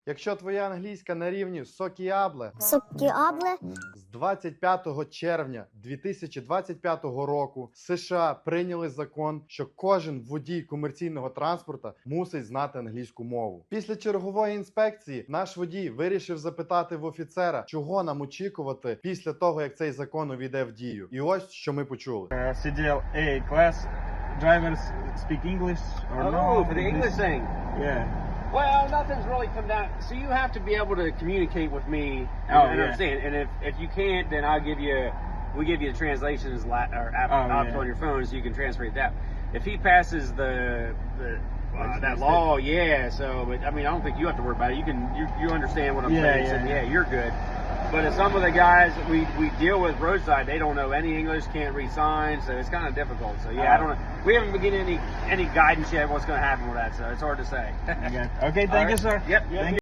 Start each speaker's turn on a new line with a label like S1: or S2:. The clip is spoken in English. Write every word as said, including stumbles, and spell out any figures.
S1: Якщо твоя англійська на рівні сокіабле,
S2: Сокіабле.
S1: з двадцять п'ятого червня дві тисячі двадцять п'ятого року США прийняли закон, що кожен водій комерційного транспорта мусить знати англійську мову. Після чергової інспекції наш водій вирішив запитати в офіцера, чого нам очікувати після того, як цей закон увійде в дію. І ось що ми почули.
S3: Uh, C D L A class drivers speak English or
S4: Oh,
S3: no?
S4: for the English thing.
S3: Yeah.
S4: Well, nothing's really come down. So you have to be able to communicate with me and,
S3: Oh,
S4: and
S3: yeah.
S4: understand. And if, if you can't, then I'll give you, we give you the translations la- or app,
S3: Oh,
S4: apps
S3: yeah.
S4: on your phone so you can translate that. If he passes the, the uh, that law, yeah. So, but I mean, I don't think you have to worry about it. You can, you, you understand what I'm
S3: Yeah,
S4: saying.
S3: yeah.
S4: So, yeah, you're good. But if some of the guys that we, we deal with roadside, they don't know any English, can't read signs, so it's kind of difficult. So yeah, I don't know. We haven't been getting any any guidance yet what's going to happen with that, so it's hard to say.
S3: Okay, okay thank
S4: All
S3: you,
S4: right.
S3: sir.
S4: Yep.
S3: Thank you.